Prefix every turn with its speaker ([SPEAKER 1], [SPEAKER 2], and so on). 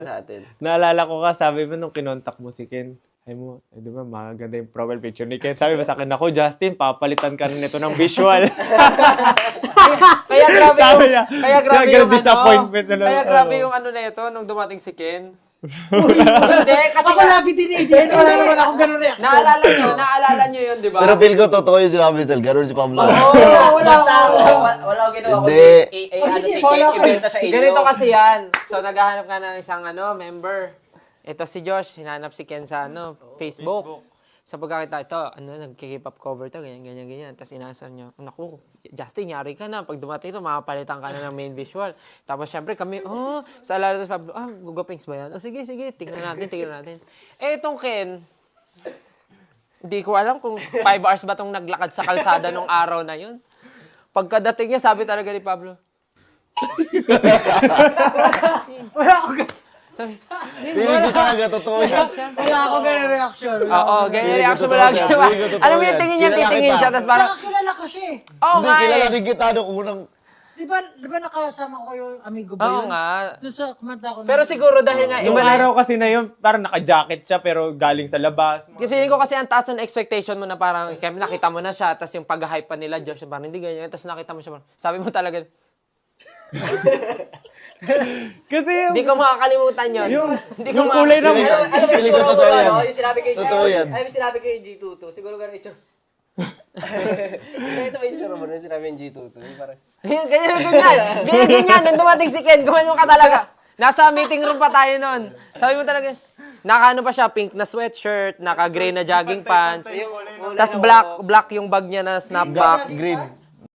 [SPEAKER 1] sa atin.
[SPEAKER 2] Naalala ko ka, sabi mo nung kinontak mo si Ken, ay mo, di ba, maganda yung profile picture ni Ken. Sabi mo sa akin, ako, Justin, papalitan ka rin ito ng visual.
[SPEAKER 3] Kaya grabe yung, kaya grabe yung
[SPEAKER 2] disappointment
[SPEAKER 3] ano, kaya grabe yung ano na ito nung dumating si Ken.
[SPEAKER 4] Hindi, kasi ako lagi din wala naman akong ganun reaction.
[SPEAKER 3] Naalala nyo yun, di ba?
[SPEAKER 5] Pero feel ko totoo yung sinabi Tel. Ganun si Pablo.
[SPEAKER 1] Wala akong ginawa
[SPEAKER 5] Hindi.
[SPEAKER 1] kundi ibenta sa inyo.
[SPEAKER 3] Ganito kasi yan. So, naghahanap ka ng isang member. Ito si Josh, hinanap si Ken sa Facebook. Sa pagkakita, ito, nagkikip up cover to, ganyan. Tapos inaasar niya, naku, Justin, yari ka na. Pag dumating ito, makapalitan ka na ng main visual. Tapos syempre kami, sa alala sa Pablo, Gugapings ba yan? Sige, tingnan natin. Eh, itong Ken, hindi ko alam kung 5 hours ba itong naglakad sa kalsada nung araw na yun. Pagkadating niya, sabi talaga ni Pablo, wala akong sabi,
[SPEAKER 5] Feeling ko talaga totoo yan.
[SPEAKER 4] Wala akong ganun reaction.
[SPEAKER 3] Oo, ganyan reaction mo lagi. Alam mo yung tingin niya, titingin siya, tapos parang,
[SPEAKER 4] Kilala ko siya eh.
[SPEAKER 3] oo
[SPEAKER 5] Hindi,
[SPEAKER 3] nga
[SPEAKER 5] kilala
[SPEAKER 3] eh.
[SPEAKER 5] din kita nung unang...
[SPEAKER 4] Di ba nakasama ko yung amigo ba
[SPEAKER 3] Oo
[SPEAKER 4] yun?
[SPEAKER 3] nga.
[SPEAKER 4] Doon sa kumanta ko.
[SPEAKER 3] Pero siguro dahil nga,
[SPEAKER 2] Yung
[SPEAKER 3] iba na
[SPEAKER 2] araw kasi na yun, parang naka-jacket siya, pero galing sa labas.
[SPEAKER 3] feeling ko kasi ang taas ng expectation mo na parang, kaya nakita mo na siya, tapos yung pag-hype pa nila, Josh, parang hindi ganyan, tapos nakita mo siya, parang, sabi mo talaga,
[SPEAKER 2] Kasi yung,
[SPEAKER 3] hindi ko makakalimutan yun. Hindi ko
[SPEAKER 2] yung kulay ng...
[SPEAKER 5] Feeling ko totoo yan.
[SPEAKER 1] Yung sinabi kay
[SPEAKER 5] Totoo yan.
[SPEAKER 1] Ay, yung sinabi kay G22. Siguro ganun ito. Ito ba yung sure mo nung sinabi yung G22? Parang...
[SPEAKER 3] Ganyan. Nung dumating si Ken, gumanyo ka talaga. Nasa meeting room pa tayo nun. Sabi mo talaga, naka pa siya, pink na sweatshirt, naka-gray na jogging pants, tas black yung bag niya na snapback.
[SPEAKER 5] Green.